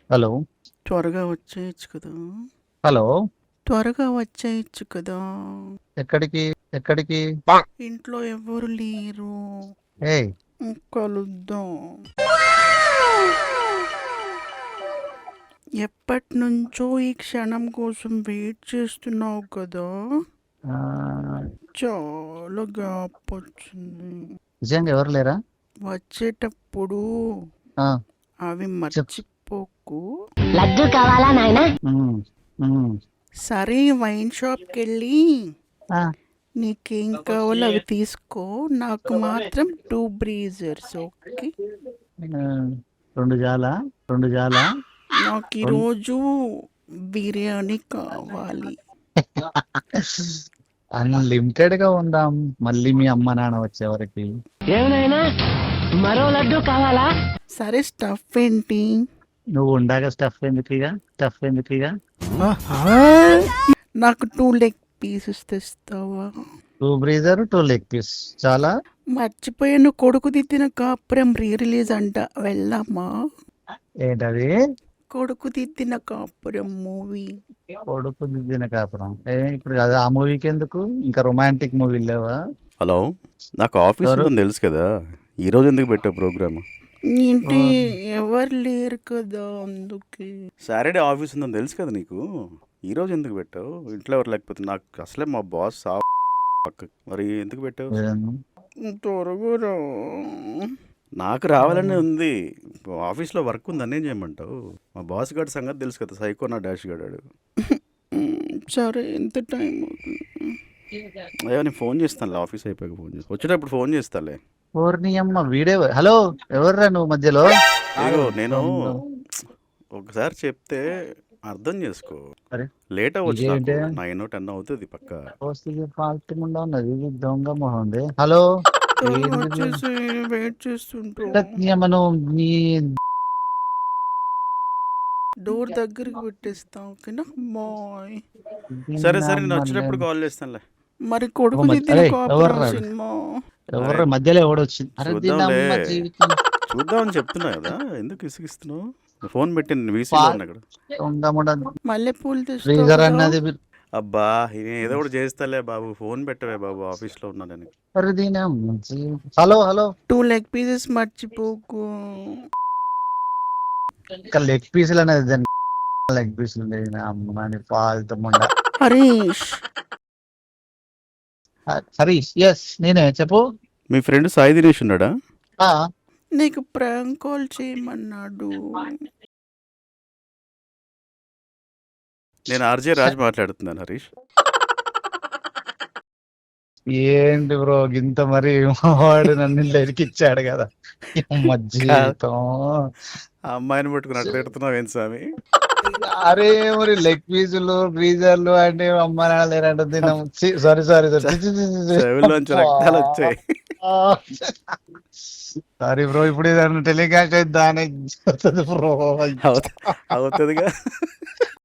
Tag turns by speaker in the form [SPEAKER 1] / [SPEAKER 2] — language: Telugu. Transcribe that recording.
[SPEAKER 1] హలో.
[SPEAKER 2] త్వరగా వచ్చేయచ్చు కదా!
[SPEAKER 1] హలో.
[SPEAKER 2] త్వరగా వచ్చేయచ్చు కదా!
[SPEAKER 1] ఎక్కడికి? ఎక్కడికి?
[SPEAKER 2] ఇంట్లో ఎవ్వరు లేరు.
[SPEAKER 1] ఏయ్!
[SPEAKER 2] కలుద్దాం. ఎప్పటినుంచో ఈ క్షణం కోసం వెయిట్ చేస్తున్నావు కదా!
[SPEAKER 1] ఆహ్,
[SPEAKER 2] చాలా గ్యాప్ వచ్చింది.
[SPEAKER 1] నిజంగా ఎవరు లేరా?
[SPEAKER 2] వచ్చేటప్పుడు
[SPEAKER 1] ఆ!
[SPEAKER 2] అవి
[SPEAKER 1] చెప్
[SPEAKER 2] మర్చిపోకు.
[SPEAKER 3] లడ్డు కావాలా నాయనా?
[SPEAKER 1] హ్మ్. హ్మ్.
[SPEAKER 2] సరే వైన్ షాప్‌కెళ్ళి
[SPEAKER 1] ఆ!
[SPEAKER 2] నీకేం కావాలో అవి తీసుకో. నాకు మాత్రం 2 బ్రీజర్స్ ఓకే.
[SPEAKER 1] ఆహ్, 2 జాలా? 2 జాలా?
[SPEAKER 2] నాకు
[SPEAKER 1] రొన్
[SPEAKER 2] ఈరోజు బిర్యానీ కావాలి.
[SPEAKER 1] అన్‌లిమిటెడ్‌గా ఉందాం. మళ్ళీ మీ అమ్మ, నాన్న వచ్చేవరకి.
[SPEAKER 3] ఏమనాయనా మరో లడ్డు కావాలా?
[SPEAKER 2] సరే స్టఫ్ ఏంటి?
[SPEAKER 1] నువ్వు ఉండాక స్టఫ్ ఎందుకిగ? స్టఫ్ ఎందుకిగ?
[SPEAKER 2] నాకు 2 లెగ్ పీసెస్ తెస్తావా?
[SPEAKER 1] 2 బ్రీజర్, 2 లెగ్ పీస్ చాలా?
[SPEAKER 2] మర్చిపోయాను, కొడుకు దిద్దిన కాపురం రీ రిలీజ్ అంట, వెళ్దామా?
[SPEAKER 1] ఏంటది?
[SPEAKER 2] కొడుకు దిద్దిన కాపురం మూవీ.
[SPEAKER 1] కొడుకు దిద్దిన కాపురం. ఇప్పుడు అది ఆ మూవీకెందుకు? ఇంకా రొమాంటిక్ మూవీలు లేవా?
[SPEAKER 4] హలో, నాకు ఆఫీస్
[SPEAKER 1] ఎవరు?
[SPEAKER 4] ఉందని తెలుసు కదా, ఈరోజు ఎందుకు పెట్టావు ప్రోగ్రామ్?
[SPEAKER 2] ఏంటి
[SPEAKER 1] ఓహ్!
[SPEAKER 2] ఎవరు లేరు కదా అందుకే.
[SPEAKER 4] సాటర్డే ఆఫీస్ ఉందని తెలుసు కదా నీకు, ఈరోజు ఎందుకు పెట్టావు? ఇంట్లో ఎవరు లేకపోతే నాకు అసలే మా బాస్ పక్క, మరి ఎందుకు పెట్టావు?
[SPEAKER 1] ఏదన్నా?
[SPEAKER 2] త్వరగా రా.
[SPEAKER 4] నాకు రావాలనే ఉంది, ఆఫీస్లో వర్క్ ఉంది, అన్నేం చేయమంటావు? మా బాస్ గారి సంగతి తెలుసు కదా, సైకో నా డాష్ గాడాడు.
[SPEAKER 2] సరే ఎంత టైం అవుతుంది?
[SPEAKER 4] అయ్యో నేను ఫోన్ చేస్తానులే, ఆఫీస్ అయిపోయాక ఫోన్ చేస్తాను, వచ్చేటప్పుడు ఫోన్ చేస్తాలే.
[SPEAKER 1] ఓర్ని అమ్మ వీడే. హలో, ఎవర్రా నువ్వు మధ్యలో?
[SPEAKER 4] ఇదిగో నేను ఒకసారి చెప్తే అర్థం చేసుకో,
[SPEAKER 1] అరే
[SPEAKER 4] లేట్ అవ్వచ్చు, నాకు
[SPEAKER 1] ఇదేంటే
[SPEAKER 4] 9-10 అవుతుంది పక్క.
[SPEAKER 1] వస్తుంది ఫాల్తుకుండా ఉన్నది, ఇది దొంగ మొహం ఉంది. హలో,
[SPEAKER 2] త్వరగా
[SPEAKER 1] ఏంటిది?
[SPEAKER 2] వచ్చేసి వెయిట్ చేస్తుంటా.
[SPEAKER 1] నీ అమ్మ నువ్వు నీ
[SPEAKER 2] డోర్ దగ్గరికి పెట్టేస్తా ఓకేనా? బాయ్.
[SPEAKER 4] సరే సరే, నేను
[SPEAKER 1] అమ్మ
[SPEAKER 4] వచ్చేటప్పుడు
[SPEAKER 1] నేను-
[SPEAKER 4] కాల్ చేస్తానులే.
[SPEAKER 2] మరి కొడుకు దిద్దిన
[SPEAKER 1] అరే
[SPEAKER 2] కాపురం
[SPEAKER 1] ఎవర్రా?
[SPEAKER 2] సినిమా.
[SPEAKER 1] ఎవర్రా మధ్యలో ఎవడొచ్చింది? అరే దీని
[SPEAKER 4] చూద్దాంలే,
[SPEAKER 1] అమ్మ జీవితం.
[SPEAKER 4] చూద్దామని చెప్తున్నా కదా, ఎందుకు ఇసుగిస్తున్నావు? ఫోన్ పెట్టి నేను వీసీలో ఉన్నా ఇక్కడ.
[SPEAKER 1] దొంగ
[SPEAKER 2] మల్లెపూలు తెస్తావు
[SPEAKER 1] ఫ్రీజర్
[SPEAKER 2] కదా?
[SPEAKER 1] అన్నది.
[SPEAKER 4] అబ్బా నేను ఏదో ఒకటి చేస్తాలే బాబు, ఫోన్ పెట్టవే బాబు, ఆఫీస్లో ఉన్నా నేను.
[SPEAKER 1] అరే దీని అమ్మ జీవితం. హలో హలో,
[SPEAKER 2] 2 లెగ్ పీసెస్ మర్చిపోకు.
[SPEAKER 1] ఇంకా లెగ్ పీసులు అనేది దాని లెగ్ పీసులు ఉండేది. నా అమ్మని ఫాల్తు ముండ.
[SPEAKER 2] హరీష్,
[SPEAKER 1] హరీష్, ఎస్ నేనే, చెప్పు.
[SPEAKER 4] మీ ఫ్రెండ్ సాయి దినేష్ ఉన్నాడా?
[SPEAKER 1] ఆ,
[SPEAKER 2] నీకు ప్రాంక్ కాల్ చేయమన్నాడు.
[SPEAKER 4] నేను ఆర్జే రాజ్ మాట్లాడుతున్నాను హరీష్.
[SPEAKER 1] ఏంటి బ్రో గింత మరి వాడు నన్ను ఇరికిచ్చాడు కదా. అమ్మ జీవితం.
[SPEAKER 4] ఆ అమ్మాయిని పట్టుకుని అట్లా పెడుతున్నావు ఏం స్వామి?
[SPEAKER 1] అరే మరి లెగ్ పీసులు గ్రీజర్లు అంటే అమ్మ నాన్న లేరంటే తిన్నాం. సారీ సారీ
[SPEAKER 4] చెవుల్లోంచి రక్తాలు వచ్చాయి.
[SPEAKER 1] సారీ బ్రో, ఇప్పుడు ఏదన్నా టెలికాస్ట్ అయితే దాని బ్రో.
[SPEAKER 4] అవుతుందిగా.